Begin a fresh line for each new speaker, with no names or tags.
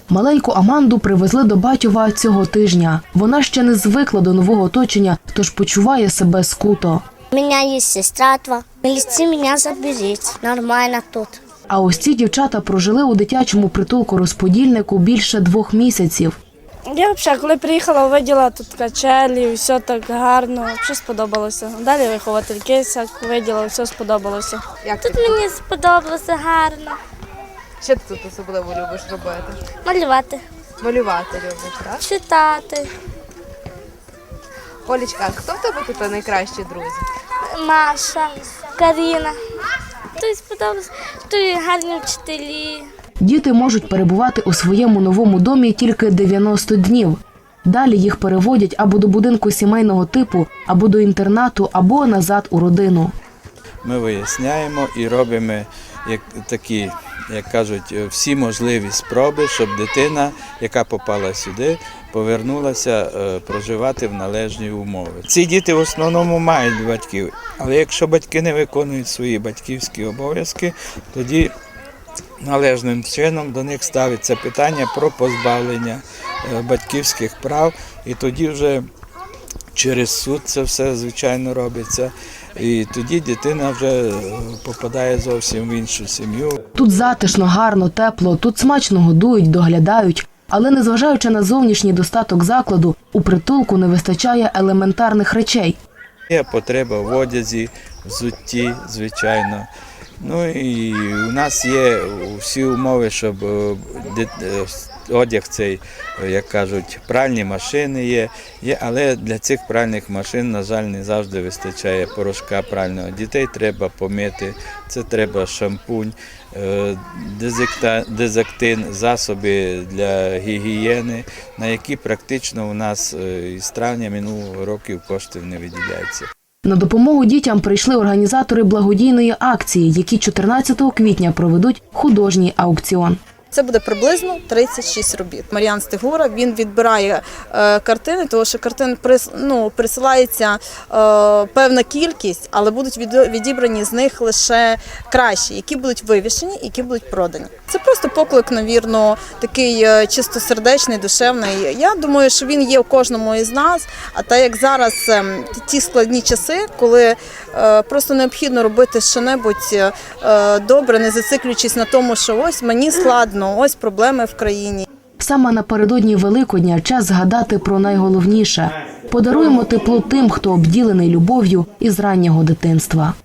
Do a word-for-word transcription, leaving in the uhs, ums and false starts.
Маленьку Аманду привезли до Батьова цього тижня. Вона ще не звикла до нового оточення, тож почуває себе скуто.
У мене є сестра, в міліції мене заберіть, нормально тут.
А ось ці дівчата прожили у дитячому притулку-розподільнику більше двох місяців.
Я взагалі, коли приїхала, виділа тут качелі, все так гарно, все сподобалося. Далі виховательки, виділа, все сподобалося.
Як тут мені сподобалося гарно.
Що ти тут особливо любиш робити?
Малювати,
Малювати любиш, так?
читати.
Олечка, а хто в тебе тут найкращі друзі?
Маша, Каріна. Тут сподобалося, тут гарні вчителі.
Діти можуть перебувати у своєму новому домі тільки дев'яносто днів. Далі їх переводять або до будинку сімейного типу, або до інтернату, або назад у родину.
Ми виясняємо і робимо як такі, як кажуть, всі можливі спроби, щоб дитина, яка попала сюди, повернулася проживати в належні умови. Ці діти в основному мають батьків, але якщо батьки не виконують свої батьківські обов'язки, тоді належним чином до них ставиться питання про позбавлення батьківських прав, і тоді вже через суд це все, звичайно, робиться. І тоді дитина вже попадає зовсім в іншу сім'ю.
Тут затишно, гарно, тепло, тут смачно годують, доглядають. Але незважаючи на зовнішній достаток закладу, у притулку не вистачає елементарних речей.
Є потреба в одязі, взутті, звичайно. Ну і у нас є всі умови, щоб одяг цей, як кажуть, пральні машини є, є, але для цих пральних машин, на жаль, не завжди вистачає порошка прального. Дітей треба помити, це треба шампунь, дезактин, засоби для гігієни, на які практично у нас із травня минулого року коштів не виділяється.
На допомогу дітям прийшли організатори благодійної акції, які чотирнадцятого квітня проведуть художній аукціон.
Це буде приблизно тридцять шість робіт. Мар'ян Стигура, він відбирає е, картини, тому що картин прис, ну, присилається е, певна кількість, але будуть від, відібрані з них лише кращі, які будуть вивішені, які будуть продані. Це просто поклик, навірно, такий е, чистосердечний, душевний. Я думаю, що він є у кожному із нас, а так як зараз е, ті складні часи, коли е, просто необхідно робити що-небудь е, добре, не зациклюючись на тому, що ось мені складно, ось проблеми в країні.
Саме напередодні Великодня час згадати про найголовніше. Подаруємо тепло тим, хто обділений любов'ю із раннього дитинства.